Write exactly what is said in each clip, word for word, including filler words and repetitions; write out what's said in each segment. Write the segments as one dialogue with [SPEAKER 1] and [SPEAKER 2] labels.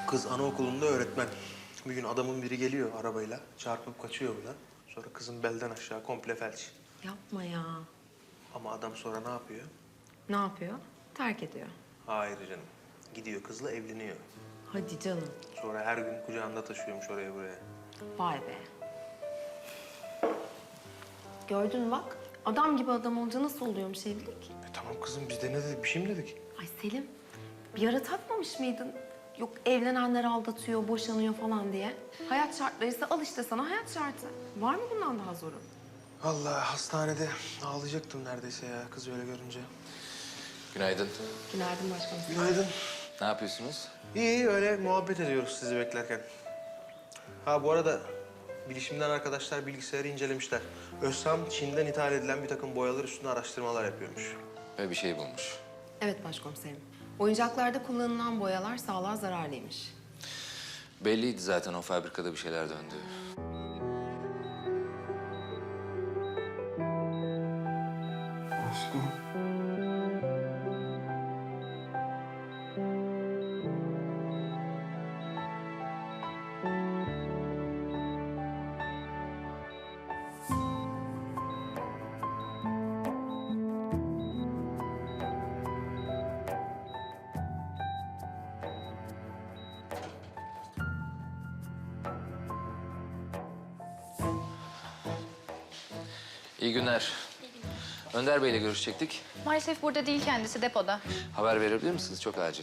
[SPEAKER 1] Kız anaokulunda öğretmen. Bir gün adamın biri geliyor arabayla, çarpıp kaçıyor buna. Sonra kızın belden aşağı komple felç.
[SPEAKER 2] Yapma ya.
[SPEAKER 1] Ama adam sonra ne yapıyor?
[SPEAKER 2] Ne yapıyor? Terk ediyor.
[SPEAKER 1] Hayır canım. Gidiyor kızla evleniyor.
[SPEAKER 2] Hadi canım.
[SPEAKER 1] Sonra her gün kucağında taşıyormuş oraya buraya.
[SPEAKER 2] Vay be. Gördün mü bak. Adam gibi adam olunca nasıl oluyormuş evlilik?
[SPEAKER 1] E tamam kızım biz de ne dedik? Bir şey mi dedik?
[SPEAKER 2] Ay Selim, bir ara takmamış mıydın? Yok evlenenler aldatıyor, boşanıyor falan diye. Hayat şartlarıysa al işte sana hayat şartı. Var mı bundan daha zoru?
[SPEAKER 1] Vallahi hastanede ağlayacaktım neredeyse ya kız öyle görünce.
[SPEAKER 3] Günaydın.
[SPEAKER 2] Günaydın başkanım.
[SPEAKER 1] Günaydın.
[SPEAKER 3] Ne yapıyorsunuz?
[SPEAKER 1] İyi öyle muhabbet ediyoruz sizi beklerken. Ha bu arada bilişimden arkadaşlar bilgisayarı incelemişler. Özsam Çin'den ithal edilen bir takım boyalar üstüne araştırmalar yapıyormuş.
[SPEAKER 3] Ve bir şey bulmuş.
[SPEAKER 2] Evet başkomiserim. Oyuncaklarda kullanılan boyalar sağlığa zararlıymış.
[SPEAKER 3] Belliydi zaten o fabrikada bir şeyler döndü.
[SPEAKER 1] Aşkım.
[SPEAKER 3] İyi günler. Önder Bey'le görüşecektik.
[SPEAKER 4] Maalesef burada değil kendisi, depoda.
[SPEAKER 3] Haber verebilir misiniz? Çok acil.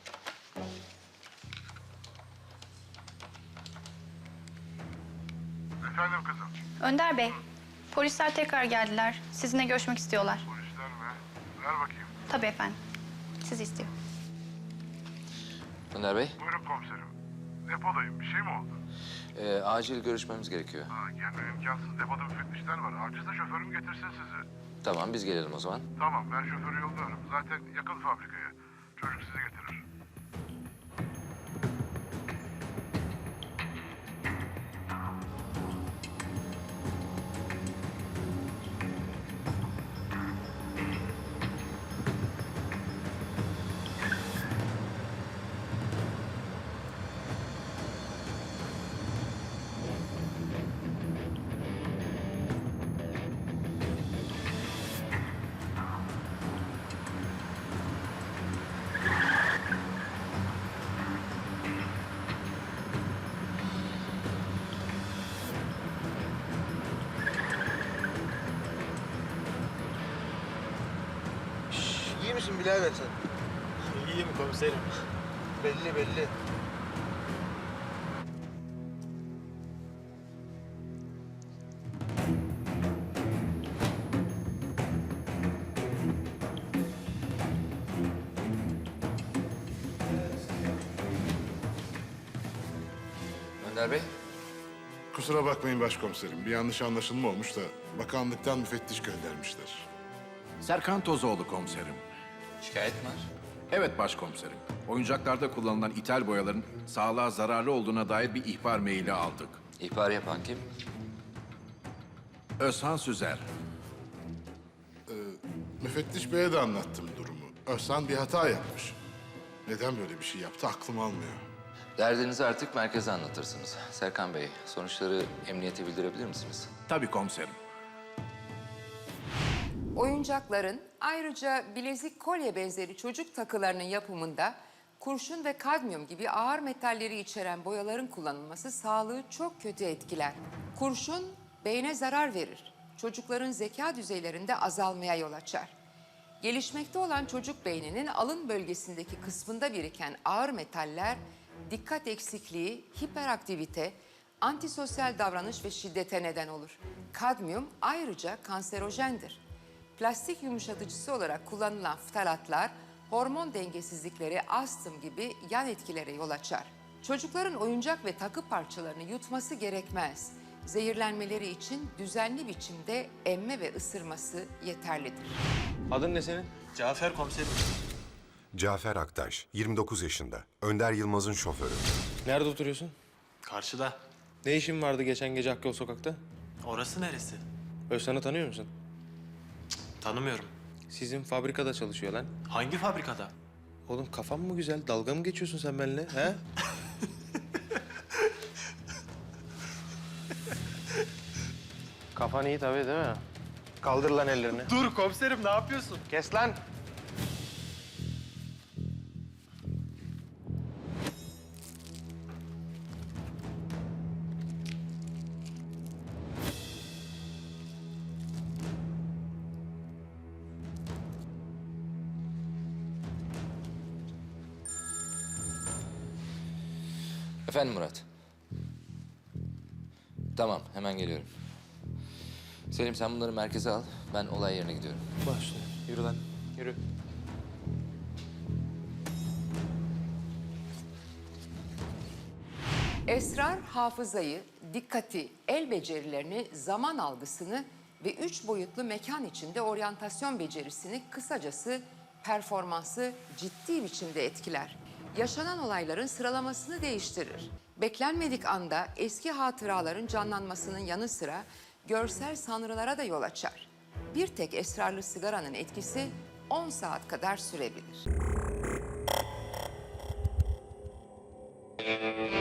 [SPEAKER 5] Efendim kızım.
[SPEAKER 4] Önder Bey, polisler tekrar geldiler. Sizinle görüşmek istiyorlar.
[SPEAKER 5] Polisler mi? Ver bakayım.
[SPEAKER 4] Tabii efendim. Sizi istiyor.
[SPEAKER 3] Önder Bey,
[SPEAKER 5] Buyurun komiserim. Depodayım. Bir şey mi oldu?
[SPEAKER 3] e, acil görüşmemiz gerekiyor.
[SPEAKER 5] Ha, gelmem imkansız. Depoda müfettişler var. Acilse şoförüm getirsin sizi.
[SPEAKER 3] Tamam, biz gelelim o zaman.
[SPEAKER 5] Tamam, ben şoförü yolluyorum. Zaten yakın fabrikaya. Çocuk sizi getirir.
[SPEAKER 1] İyi misin birader sen?
[SPEAKER 6] İyiyim komiserim.
[SPEAKER 1] Belli belli.
[SPEAKER 3] Önder Bey,
[SPEAKER 5] Kusura bakmayın başkomiserim. Bir yanlış anlaşılma olmuş da bakanlıktan müfettiş göndermişler.
[SPEAKER 7] Serkan Tozoğlu komiserim.
[SPEAKER 3] şikayet mi var?
[SPEAKER 7] Evet başkomiserim. Oyuncaklarda kullanılan ithal boyaların sağlığa zararlı olduğuna dair bir ihbar maili aldık.
[SPEAKER 3] İhbar yapan kim?
[SPEAKER 7] Özhan Süzer.
[SPEAKER 5] Müfettiş Bey'e de anlattım durumu. Özhan bir hata yapmış. Neden böyle bir şey yaptı aklım almıyor.
[SPEAKER 3] Derdinizi artık merkeze anlatırsınız. Serkan Bey, sonuçları emniyete bildirebilir misiniz?
[SPEAKER 7] Tabii komiserim.
[SPEAKER 8] Oyuncakların ayrıca bilezik, kolye benzeri çocuk takılarının yapımında kurşun ve kadmiyum gibi ağır metalleri içeren boyaların kullanılması sağlığı çok kötü etkiler. Kurşun beyne zarar verir. Çocukların zeka düzeylerinde azalmaya yol açar. Gelişmekte olan çocuk beyninin alın bölgesindeki kısmında biriken ağır metaller dikkat eksikliği, hiperaktivite, antisosyal davranış ve şiddete neden olur. Kadmiyum ayrıca kanserojendir. Plastik yumuşatıcısı olarak kullanılan ftalatlar hormon dengesizlikleri, astım gibi yan etkilere yol açar. Çocukların oyuncak ve takı parçalarını yutması gerekmez. Zehirlenmeleri için düzenli biçimde emme ve ısırması yeterlidir.
[SPEAKER 1] Adın ne senin?
[SPEAKER 6] Cafer komiserim.
[SPEAKER 9] Cafer Aktaş, yirmi dokuz yaşında. Önder Yılmaz'ın şoförü.
[SPEAKER 1] Nerede oturuyorsun?
[SPEAKER 6] Karşıda.
[SPEAKER 1] Ne işin vardı geçen gece Hakkı Sokak'ta?
[SPEAKER 6] Orası neresi?
[SPEAKER 1] Özsan'ı tanıyor musun?
[SPEAKER 6] Tanımıyorum.
[SPEAKER 1] Sizin fabrikada çalışıyor lan.
[SPEAKER 6] Hangi fabrikada?
[SPEAKER 1] Oğlum kafan mı güzel? Dalga mı geçiyorsun sen benimle? He? Kafan iyi tabii değil mi? Kaldır lan ellerini.
[SPEAKER 6] Dur komiserim, ne yapıyorsun?
[SPEAKER 1] Kes lan.
[SPEAKER 3] Efendim Murat. Tamam, hemen geliyorum. Selim sen bunları merkeze al. Ben olay yerine gidiyorum.
[SPEAKER 1] Başla. Yürü lan. Yürü.
[SPEAKER 8] Esrar hafızayı, dikkati, el becerilerini, zaman algısını ve üç boyutlu mekan içinde oryantasyon becerisini, kısacası performansı ciddi biçimde etkiler. Yaşanan olayların sıralamasını değiştirir. Beklenmedik anda eski hatıraların canlanmasının yanı sıra görsel sanrılara da yol açar. Bir tek esrarlı sigaranın etkisi on saat kadar sürebilir.